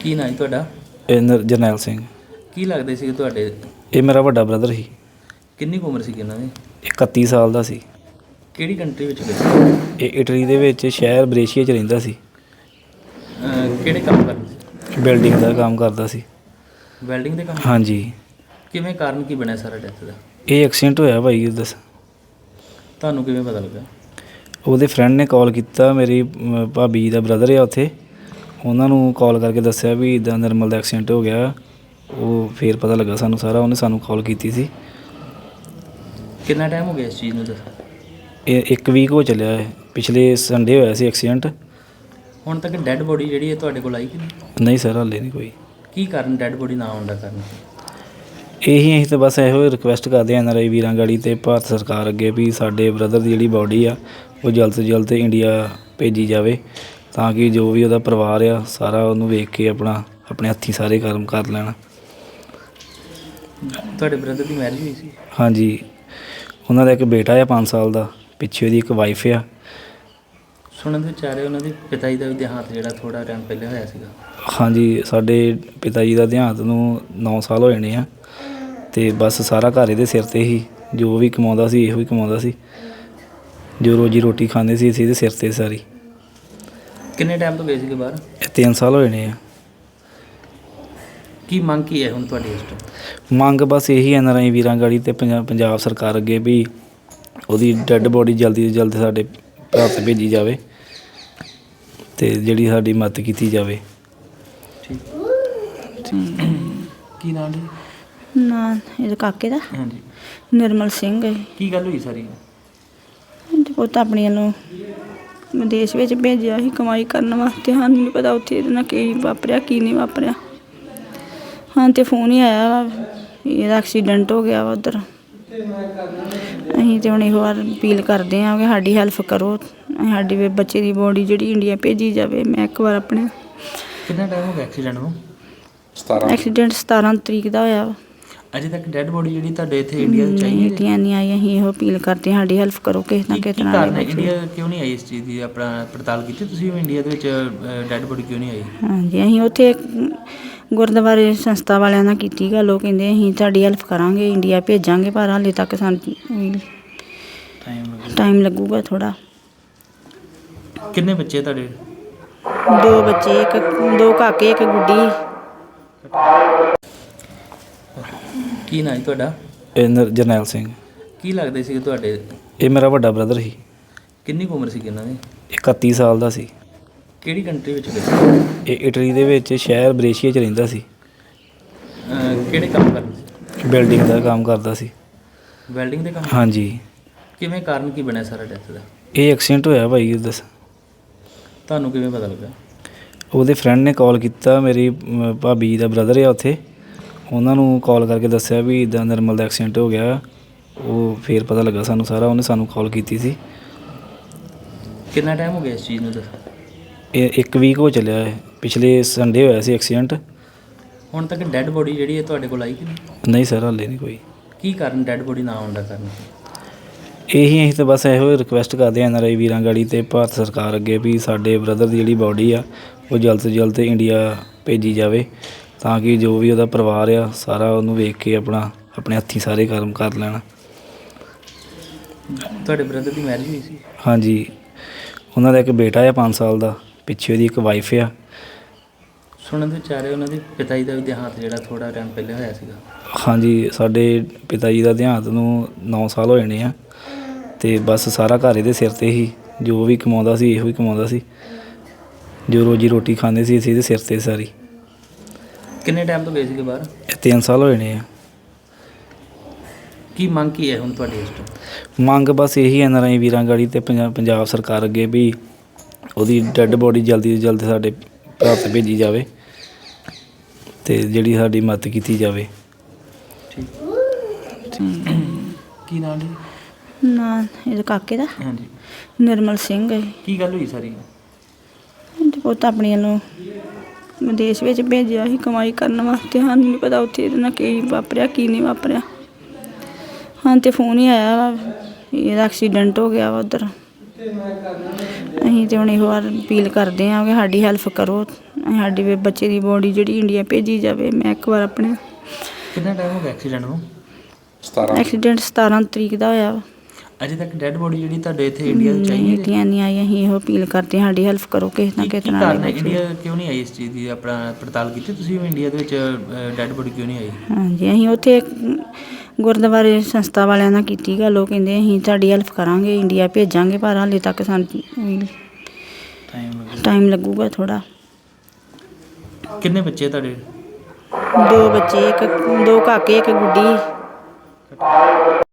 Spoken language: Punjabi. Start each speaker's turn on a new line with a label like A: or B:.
A: ਕੀ ਨਾਂ ਜੀ ਤੁਹਾਡਾ?
B: ਜਰਨੈਲ ਸਿੰਘ।
A: ਕੀ ਲੱਗਦੇ ਸੀ ਤੁਹਾਡੇ?
B: ਇਹ ਮੇਰਾ ਵੱਡਾ ਬ੍ਰਦਰ ਸੀ।
A: ਕਿੰਨੀ ਕੁ ਉਮਰ ਸੀ ਇਹਨਾਂ ਦੀ?
B: 31 ਸਾਲ ਦਾ ਸੀ।
A: ਕਿਹੜੀ ਕੰਟਰੀ ਵਿੱਚ ਗਏ ਸੀ?
B: ਇਹ ਇਟਲੀ ਦੇ ਵਿੱਚ ਸ਼ਹਿਰ ਬਰੇਸ਼ੀਆ 'ਚ ਰਹਿੰਦਾ ਸੀ।
A: ਕਿਹੜੇ ਕੰਮ ਕਰਦੇ ਸੀ?
B: ਬਿਲਡਿੰਗ ਦਾ ਕੰਮ ਕਰਦਾ ਸੀ।
A: ਵੈਲਡਿੰਗ ਦੇ ਕੰਮ?
B: ਹਾਂਜੀ।
A: ਕਿਵੇਂ ਕਾਰਨ ਕੀ ਬਣਿਆ ਸਾਰਾ ਡੈਥ ਦਾ?
B: ਇਹ ਐਕਸੀਡੈਂਟ ਹੋਇਆ ਭਾਈ। ਦੱਸ
A: ਤੁਹਾਨੂੰ ਕਿਵੇਂ ਪਤਾ ਲੱਗਾ?
B: ਉਹਦੇ ਫਰੈਂਡ ਨੇ ਕਾਲ ਕੀਤਾ। ਮੇਰੀ ਭਾਬੀ ਦਾ ਬ੍ਰਦਰ ਆ ਉੱਥੇ, ਉਹਨਾਂ ਨੂੰ ਕਾਲ ਕਰਕੇ ਦੱਸਿਆ ਵੀ ਇੱਦਾਂ ਨਿਰਮਲ ਦਾ ਐਕਸੀਡੈਂਟ ਹੋ ਗਿਆ। ਉਹ ਫਿਰ ਪਤਾ ਲੱਗਾ ਸਾਨੂੰ ਸਾਰਾ। ਉਹਨੇ ਸਾਨੂੰ ਕਾਲ ਕੀਤੀ ਸੀ।
A: ਕਿੰਨਾ ਟਾਈਮ ਹੋ ਗਿਆ ਇਸ ਚੀਜ਼ ਨੂੰ? ਦੱਸ।
B: ਇਹ 1 ਵੀਕ ਹੋ ਚੱਲਿਆ ਹੈ। ਪਿਛਲੇ ਸੰਡੇ ਹੋਇਆ ਸੀ ਐਕਸੀਡੈਂਟ।
A: ਹੁਣ ਤੱਕ ਡੈੱਡ ਬੋਡੀ ਜਿਹੜੀ ਹੈ ਤੁਹਾਡੇ ਕੋਲ ਆਈ ਕਿ ਨਹੀਂ?
B: ਨਹੀਂ ਸਰ, ਹਾਲੇ ਨਹੀਂ ਕੋਈ।
A: ਕੀ ਕਾਰਨ ਡੈੱਡ ਬੋਡੀ ਨਾ ਆਉਣ ਦਾ ਕਾਰਨ?
B: ਅਸੀਂ ਤਾਂ ਬਸ ਇਹੋ ਰਿਕੁਐਸਟ ਕਰਦੇ ਹਾਂ NRI ਵੀਰਾਂ ਗਾੜੀ ਅਤੇ ਭਾਰਤ ਸਰਕਾਰ ਅੱਗੇ ਵੀ ਸਾਡੇ ਬ੍ਰਦਰ ਦੀ ਜਿਹੜੀ ਬਾਡੀ ਆ ਉਹ ਜਲਦ ਤੋਂ ਜਲਦ ਇੰਡੀਆ ਭੇਜੀ ਜਾਵੇ, ਤਾਂ ਕਿ ਜੋ ਵੀ ਉਹਦਾ ਪਰਿਵਾਰ ਆ ਸਾਰਾ ਉਹਨੂੰ ਵੇਖ ਕੇ ਆਪਣੇ ਹੱਥੀਂ ਸਾਰੇ ਕਰਮ ਕਰ ਲੈਣ।
A: ਤੁਹਾਡੇ ਬ੍ਰਦਰ ਦੀ ਮੈਰਿਜ ਹੋਈ ਸੀ? ਹਾਂਜੀ।
B: ਉਹਨਾਂ ਦਾ ਇੱਕ ਬੇਟਾ ਆ 5 ਸਾਲ ਦਾ, ਪਿੱਛੇ ਉਹਦੀ ਇੱਕ ਵਾਈਫ ਆ।
A: ਸੁਣਨ ਦੇ ਵਿੱਚ ਆ ਰਿਹਾ ਉਹਨਾਂ ਦੇ ਪਿਤਾ ਜੀ ਦਾ ਵੀ ਦੇਹਾਂਤ ਜਿਹੜਾ ਥੋੜ੍ਹਾ ਟਾਈਮ ਪਹਿਲਾਂ ਹੋਇਆ ਸੀਗਾ।
B: ਹਾਂਜੀ, ਸਾਡੇ ਪਿਤਾ ਜੀ ਦਾ ਦੇਹਾਂਤ ਨੂੰ 9 ਸਾਲ ਹੋ ਜਾਣੇ ਆ। ਅਤੇ ਬਸ ਸਾਰਾ ਘਰ ਇਹਦੇ ਸਿਰ 'ਤੇ ਹੀ, ਜੋ ਵੀ ਕਮਾਉਂਦਾ ਸੀ ਇਹੋ ਹੀ ਕਮਾਉਂਦਾ ਸੀ। ਜੋ ਰੋਜੀ ਰੋਟੀ ਖਾਂਦੇ ਸੀ ਅਸੀਂ ਇਹਦੇ ਸਿਰ 'ਤੇ ਸਾਰੀ।
A: ਕਿੰਨੇ ਟਾਈਮ ਤੋਂ ਗਏ ਸੀਗੇ ਬਾਹਰ?
B: 3 ਸਾਲ ਹੋ ਜਾਣੇ ਆ।
A: ਕੀ ਮੰਗ ਕੀ ਹੈ ਹੁਣ ਤੁਹਾਡੀ ਇਸ ਟਾਈਮ?
B: ਮੰਗ ਬਸ ਇਹੀ NRI ਵੀਰਾਂ ਗਾੜੀ ਅਤੇ ਪੰਜਾਬ ਸਰਕਾਰ ਅੱਗੇ ਵੀ ਉਹਦੀ ਡੈੱਡ ਬੋਡੀ ਜਲਦੀ ਤੋਂ ਜਲਦ ਸਾਡੇ ਭਾਰਤ ਭੇਜੀ ਜਾਵੇ ਅਤੇ ਜਿਹੜੀ ਸਾਡੀ ਮਦਦ ਕੀਤੀ ਜਾਵੇ।
A: ਠੀਕ। ਕੀ ਨਾਮ ਜੀ?
C: ਨਾਂ ਇਹਦੇ ਕਾਕੇ ਦਾ
A: ਹਾਂਜੀ।
C: ਨਿਰਮਲ ਸਿੰਘ ਹੈ।
A: ਕੀ ਗੱਲ ਹੋਈ ਸਾਰੀ?
C: ਪੁੱਤ ਆਪਣੀ ਨੂੰ ਵਿਦੇਸ਼ ਵਿੱਚ ਭੇਜਿਆ ਸੀ ਕਮਾਈ ਕਰਨ ਵਾਸਤੇ। ਸਾਨੂੰ ਨਹੀਂ ਪਤਾ ਉੱਥੇ ਇਹਦੇ ਨਾਲ ਕੀ ਵਾਪਰਿਆ ਕੀ ਨਹੀਂ ਵਾਪਰਿਆ। ਹਾਂ ਤਾਂ ਫੋਨ ਹੀ ਆਇਆ ਵਾ ਇਹਦਾ ਐਕਸੀਡੈਂਟ ਹੋ ਗਿਆ ਵਾ ਉੱਧਰ। ਅਸੀਂ ਤਾਂ ਹੁਣ ਇਹੋ ਵਾਰ ਅਪੀਲ ਕਰਦੇ ਹਾਂ ਕਿ ਸਾਡੀ ਹੈਲਪ ਕਰੋ, ਸਾਡੀ ਬੱਚੇ ਦੀ ਬੋਡੀ ਜਿਹੜੀ ਇੰਡੀਆ ਭੇਜੀ ਜਾਵੇ। ਮੈਂ ਇੱਕ ਵਾਰ ਆਪਣੇ
A: ਕਿੰਨਾ ਟਾਈਮ ਹੋ ਗਿਆ ਐਕਸੀਡੈਂਟ ਨੂੰ?
C: ਐਕਸੀਡੈਂਟ 17 ਤਰੀਕ ਦਾ ਹੋਇਆ ਵਾ।
A: ਅਜੇ ਤੱਕ ਡੈੱਡ ਬੋਡੀ ਜਿਹੜੀ ਤੁਹਾਡੇ ਇੱਥੇ ਇੰਡੀਆ ਵਿੱਚ ਆਈ
C: ਨਹੀਂ ਆਈ। ਅਸੀਂ ਇਹੋ ਅਪੀਲ ਕਰਦੇ ਹਾਂ ਸਾਡੀ ਹੈਲਪ ਕਰੋ ਕਿਸੇ ਨਾ ਕਿਸੇ ਤਰ੍ਹਾਂ।
A: ਇੰਡੀਆ ਕਿਉਂ ਨਹੀਂ ਆਈ ਇਸ ਚੀਜ਼ ਦੀ ਆਪਣਾ ਪੜਤਾਲ ਕੀਤੀ ਤੁਸੀਂ? ਇੰਡੀਆ ਦੇ ਵਿੱਚ ਡੈੱਡ ਬੋਡੀ ਕਿਉਂ ਨਹੀਂ ਆਈ? ਹਾਂਜੀ,
C: ਅਸੀਂ ਉੱਥੇ ਗੁਰਦੁਆਰੇ ਸੰਸਥਾ ਵਾਲਿਆਂ ਨਾਲ ਕੀਤੀ ਗੱਲ। ਉਹ ਕਹਿੰਦੇ ਅਸੀਂ ਤੁਹਾਡੀ ਹੈਲਪ ਕਰਾਂਗੇ, ਇੰਡੀਆ ਭੇਜਾਂਗੇ, ਪਰ ਹਾਲੇ ਤੱਕ ਸਾਨੂੰ ਟਾਈਮ ਲੱਗੂਗਾ ਥੋੜ੍ਹਾ।
A: ਕਿੰਨੇ ਬੱਚੇ ਤੁਹਾਡੇ?
C: 2 ਬੱਚੇ, 2 ਕਾਕੇ, 1 ਗੁੱਡੀ।
A: ਕੀ ਨਾਂ ਜੀ ਤੁਹਾਡਾ?
B: ਜਰਨੈਲ ਸਿੰਘ।
A: ਕੀ ਲੱਗਦੇ ਸੀ ਤੁਹਾਡੇ?
B: ਇਹ ਮੇਰਾ ਵੱਡਾ ਬ੍ਰਦਰ ਸੀ।
A: ਕਿੰਨੀ ਕੁ ਉਮਰ ਸੀ ਇਹਨਾਂ ਦੀ?
B: 31 ਸਾਲ ਦਾ ਸੀ।
A: ਕਿਹੜੀ ਕੰਟਰੀ ਵਿੱਚ ਗਏ ਸੀ?
B: ਇਹ ਇਟਲੀ ਦੇ ਵਿੱਚ ਸ਼ਹਿਰ ਬਰੇਸ਼ੀਆ 'ਚ ਰਹਿੰਦਾ ਸੀ।
A: ਕਿਹੜੇ ਕੰਮ ਕਰਦੇ ਸੀ?
B: ਬਿਲਡਿੰਗ ਦਾ ਕੰਮ ਕਰਦਾ ਸੀ।
A: ਵੈਲਡਿੰਗ ਦੇ ਕੰਮ?
B: ਹਾਂਜੀ।
A: ਕਿਵੇਂ ਕਾਰਨ ਕੀ ਬਣਿਆ ਸਾਰਾ ਡੈਥ ਦਾ?
B: ਇਹ ਐਕਸੀਡੈਂਟ ਹੋਇਆ ਭਾਈ। ਦੱਸ।
A: ਤੁਹਾਨੂੰ ਕਿਵੇਂ ਪਤਾ ਲੱਗਾ?
B: ਉਹਦੇ ਫਰੈਂਡ ਨੇ ਕਾਲ ਕੀਤਾ। ਮੇਰੀ ਭਾਬੀ ਦਾ ਬ੍ਰਦਰ ਆ ਉੱਥੇ, ਉਹਨਾਂ ਨੂੰ ਕਾਲ ਕਰਕੇ ਦੱਸਿਆ ਵੀ ਇੱਦਾਂ ਨਿਰਮਲ ਦਾ ਐਕਸੀਡੈਂਟ ਹੋ ਗਿਆ। ਉਹ ਫਿਰ ਪਤਾ ਲੱਗਾ ਸਾਨੂੰ ਸਾਰਾ। ਉਹਨੇ ਸਾਨੂੰ ਕਾਲ ਕੀਤੀ ਸੀ।
A: ਕਿੰਨਾ ਟਾਈਮ ਹੋ ਗਿਆ ਇਸ ਚੀਜ਼ ਨੂੰ? ਦੱਸ।
B: ਇਹ 1 ਵੀਕ ਹੋ ਚੱਲਿਆ ਹੈ। ਪਿਛਲੇ ਸੰਡੇ ਹੋਇਆ ਸੀ ਐਕਸੀਡੈਂਟ।
A: ਹੁਣ ਤੱਕ ਡੈੱਡ ਬੋਡੀ ਜਿਹੜੀ ਹੈ ਤੁਹਾਡੇ ਕੋਲ ਆਈ ਕਿ ਨਹੀਂ?
B: ਨਹੀਂ ਸਰ, ਹਾਲੇ ਨਹੀਂ ਕੋਈ।
A: ਕੀ ਕਾਰਨ ਡੈੱਡ ਬੋਡੀ ਨਾ ਆਉਣ ਦਾ ਕਾਰਨ?
B: ਅਸੀਂ ਤਾਂ ਬਸ ਇਹੋ ਰਿਕੁਐਸਟ ਕਰਦੇ ਹਾਂ NRI ਵੀਰਾਂ ਗਾੜੀ ਅਤੇ ਭਾਰਤ ਸਰਕਾਰ ਅੱਗੇ ਵੀ ਸਾਡੇ ਬ੍ਰਦਰ ਦੀ ਜਿਹੜੀ ਬਾਡੀ ਆ ਉਹ ਜਲਦ ਤੋਂ ਜਲਦ ਇੰਡੀਆ ਭੇਜੀ ਜਾਵੇ, ਤਾਂ ਕਿ ਜੋ ਵੀ ਉਹਦਾ ਪਰਿਵਾਰ ਆ ਸਾਰਾ ਉਹਨੂੰ ਵੇਖ ਕੇ ਆਪਣੇ ਹੱਥੀਂ ਸਾਰੇ ਕਰਮ ਕਰ ਲੈਣ।
A: ਤੁਹਾਡੇ ਬ੍ਰਦਰ ਦੀ ਮੈਰਿਜ ਹੋਈ ਸੀ?
B: ਹਾਂਜੀ। ਉਹਨਾਂ ਦਾ ਇੱਕ ਬੇਟਾ ਆ 5 ਸਾਲ ਦਾ, ਪਿੱਛੇ ਉਹਦੀ ਇੱਕ ਵਾਈਫ ਆ।
A: ਸੁਣਨ ਦੇ ਵਿੱਚ ਆ ਰਿਹਾ ਉਹਨਾਂ ਦੇ ਪਿਤਾ ਜੀ ਦਾ ਵੀ ਦੇਹਾਂਤ ਜਿਹੜਾ ਥੋੜ੍ਹਾ ਟਾਈਮ ਪਹਿਲਾਂ ਹੋਇਆ ਸੀਗਾ।
B: ਹਾਂਜੀ, ਸਾਡੇ ਪਿਤਾ ਜੀ ਦਾ ਦੇਹਾਂਤ ਨੂੰ 9 ਸਾਲ ਹੋ ਜਾਣੇ ਆ। ਅਤੇ ਬਸ ਸਾਰਾ ਘਰ ਇਹਦੇ ਸਿਰ 'ਤੇ ਹੀ, ਜੋ ਵੀ ਕਮਾਉਂਦਾ ਸੀ ਇਹੋ ਹੀ ਕਮਾਉਂਦਾ ਸੀ। ਜੋ ਰੋਜੀ ਰੋਟੀ ਖਾਂਦੇ ਸੀ ਅਸੀਂ ਇਹਦੇ ਸਿਰ 'ਤੇ ਸਾਰੀ।
A: ਕਿੰਨੇ ਟਾਈਮ ਤੋਂ ਗਏ ਸੀਗੇ ਬਾਹਰ?
B: 3 ਸਾਲ ਹੋ ਜਾਣੇ ਆ।
A: ਕੀ ਮੰਗ ਕੀ ਹੈ ਹੁਣ ਤੁਹਾਡੀ ਇਸ ਟਾਈਮ?
B: ਮੰਗ ਬਸ ਇਹੀ NRI ਵੀਰਾਂ ਗਾੜੀ ਅਤੇ ਪੰਜਾਬ ਸਰਕਾਰ ਅੱਗੇ ਵੀ ਉਹਦੀ ਡੈੱਡ ਬੋਡੀ ਜਲਦੀ ਤੋਂ ਜਲਦ ਸਾਡੇ ਭਾਰਤ ਭੇਜੀ ਜਾਵੇ ਅਤੇ ਜਿਹੜੀ ਸਾਡੀ ਮਦਦ ਕੀਤੀ ਜਾਵੇ।
A: ਠੀਕ। ਕੀ ਨਾਮ ਜੀ?
C: ਨਾਂ ਇਹਦੇ ਕਾਕੇ ਦਾ
A: ਹਾਂਜੀ।
C: ਨਿਰਮਲ ਸਿੰਘ ਹੈ।
A: ਕੀ ਗੱਲ ਹੋਈ ਸਾਰੀ?
C: ਪੁੱਤ ਆਪਣੀ ਨੂੰ ਵਿਦੇਸ਼ ਵਿੱਚ ਭੇਜਿਆ ਸੀ ਕਮਾਈ ਕਰਨ ਵਾਸਤੇ। ਸਾਨੂੰ ਨਹੀਂ ਪਤਾ ਉੱਥੇ ਇਹਦੇ ਨਾਲ ਕੀ ਵਾਪਰਿਆ ਕੀ ਨਹੀਂ ਵਾਪਰਿਆ। ਹਾਂ ਤਾਂ ਫੋਨ ਹੀ ਆਇਆ ਵਾ ਇਹਦਾ ਐਕਸੀਡੈਂਟ ਹੋ ਗਿਆ ਵਾ ਉੱਧਰ। ਅਸੀਂ ਤਾਂ ਹੁਣ ਇਹੋ ਵਾਰ ਅਪੀਲ ਕਰਦੇ ਹਾਂ ਕਿ ਸਾਡੀ ਹੈਲਪ ਕਰੋ, ਸਾਡੀ ਵੀ ਬੱਚੇ ਦੀ ਬੋਡੀ ਜਿਹੜੀ ਇੰਡੀਆ ਭੇਜੀ ਜਾਵੇ। ਮੈਂ ਇੱਕ ਵਾਰ ਆਪਣੇ
A: ਕਿੰਨਾ ਟਾਈਮ ਹੋ ਗਿਆ ਐਕਸੀਡੈਂਟ ਨੂੰ?
C: ਐਕਸੀਡੈਂਟ 17 ਤਰੀਕ ਦਾ ਹੋਇਆ ਵਾ।
A: ਅਜੇ ਤੱਕ ਡੈਡ ਬੋਡੀ ਜਿਹੜੀ ਤੁਹਾਡੇ ਇੱਥੇ ਇੰਡੀਆ ਵਿੱਚ ਆਈ ਹੈ?
C: ਇੰਡੀਆ ਨਹੀਂ ਆਈ। ਅਸੀਂ ਇਹੋ ਅਪੀਲ ਕਰਦੇ ਹਾਂ ਸਾਡੀ ਹੈਲਪ ਕਰੋ ਕਿਸੇ ਨਾ
A: ਕੀ
C: ਕਿਸੇ
A: ਕਾਰਨ
C: ਤਰ੍ਹਾਂ।
A: ਹੈ ਇੰਡੀਆ ਕਿਉਂ ਨਹੀਂ ਆਈ ਇਸ ਚੀਜ਼ ਦੀ? ਆਪਣਾ ਪੜਤਾਲ ਕੀਤੀ ਤੁਸੀਂ ਵੀ ਇੰਡੀਆ ਦੇ ਵਿੱਚ ਡੈਡ ਬੋਡੀ ਕਿਉਂ ਨਹੀਂ ਆਈ?
C: ਹਾਂਜੀ, ਅਸੀਂ ਉੱਥੇ ਗੁਰਦੁਆਰੇ ਸੰਸਥਾ ਵਾਲਿਆਂ ਨਾਲ ਕੀਤੀ ਗੱਲ। ਉਹ ਕਹਿੰਦੇ ਅਸੀਂ ਤੁਹਾਡੀ ਹੈਲਪ ਕਰਾਂਗੇ, ਇੰਡੀਆ ਭੇਜਾਂਗੇ, ਪਰ ਹਾਲੇ ਤੱਕ ਸਾਨੂੰ ਟਾਈਮ ਲੱਗੂਗਾ ਥੋੜ੍ਹਾ।
A: ਕਿੰਨੇ ਬੱਚੇ ਤੁਹਾਡੇ?
C: 2 ਬੱਚੇ, 2 ਕਾਕੇ, 1 ਗੁੱਡੀ।